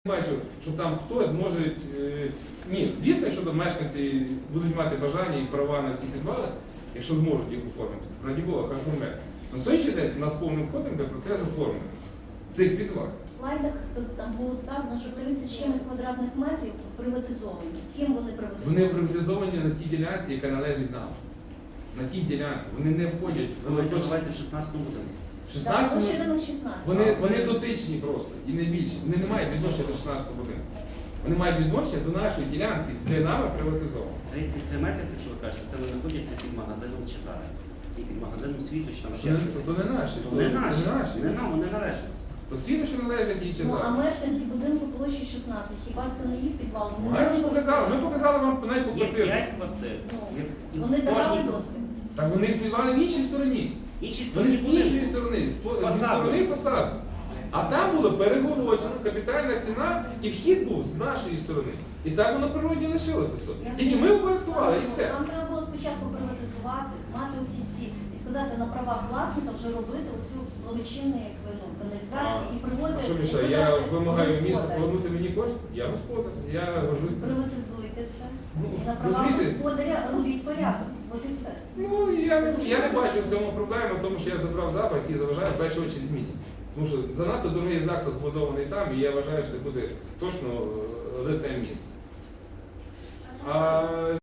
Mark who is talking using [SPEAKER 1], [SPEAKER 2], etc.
[SPEAKER 1] Бачу, що там хтось може... Ні, звісно, якщо там мешканці будуть мати бажання і права на ці підвали, якщо зможуть їх оформити, раді Бога, хай оформляють. На сьогоднішній день у нас повним ходом йде процес оформлення цих підвал.
[SPEAKER 2] В слайдах там було сказано, що 30 чимось квадратних метрів приватизовані. Ким вони приватизовані?
[SPEAKER 1] Вони приватизовані на тій ділянці, яка належить нам. На тій ділянці. Вони не входять в
[SPEAKER 3] Називається в 16-му будинку.
[SPEAKER 1] В 16-му
[SPEAKER 2] 16.
[SPEAKER 1] вони дотичні просто і не більше. Вони не мають відношення до 16-го будинку. Вони мають відношення до нашої ділянки, де нами приватизовано.
[SPEAKER 3] 33 метри, те, що ви кажете, це не знаходяться під магазином Чезаре. І під магазином Світу, чи там ще.
[SPEAKER 1] То не наші.
[SPEAKER 3] То не наші. Не нам, вони належать.
[SPEAKER 1] То світло, що належить і
[SPEAKER 2] Ну,
[SPEAKER 1] Чезаре.
[SPEAKER 2] а мешканці будинку площі 16, хіба це не їх підвал?
[SPEAKER 1] Ми показали вам навіть по
[SPEAKER 3] Є
[SPEAKER 1] квартиру.
[SPEAKER 3] 5 квартир.
[SPEAKER 2] Вони давали дозвіл.
[SPEAKER 1] Так вони їх підвали в іншій стороні.
[SPEAKER 3] Інші
[SPEAKER 1] Вони з
[SPEAKER 3] сторони
[SPEAKER 1] іншої сторони, зі
[SPEAKER 3] фасаду.
[SPEAKER 1] сторони фасаду. А там було перегороджено, капітальна стіна, і вхід був з нашої сторони. І так воно природні лишилося все. Тільки ми упорядкували і все.
[SPEAKER 2] Нам треба було спочатку приватизувати, мати оці всі, і сказати на правах власника вже робити оцю благочинну каналізацію і приводити...
[SPEAKER 1] Що, Міша, я вимагаю міста повернути мені кошти? Я господар, я горжусь.
[SPEAKER 2] Приватизуйте це.
[SPEAKER 1] Ну,
[SPEAKER 2] І на правах
[SPEAKER 1] розумієте?
[SPEAKER 2] господаря робіть порядок. От і все.
[SPEAKER 1] Ну, я не бачу в цьому проблеми, тому що я забрав запах і заважаю в першу чергу мені. Тому що занадто дорогий заклад збудований там, і я вважаю, що це буде точно лицем міста.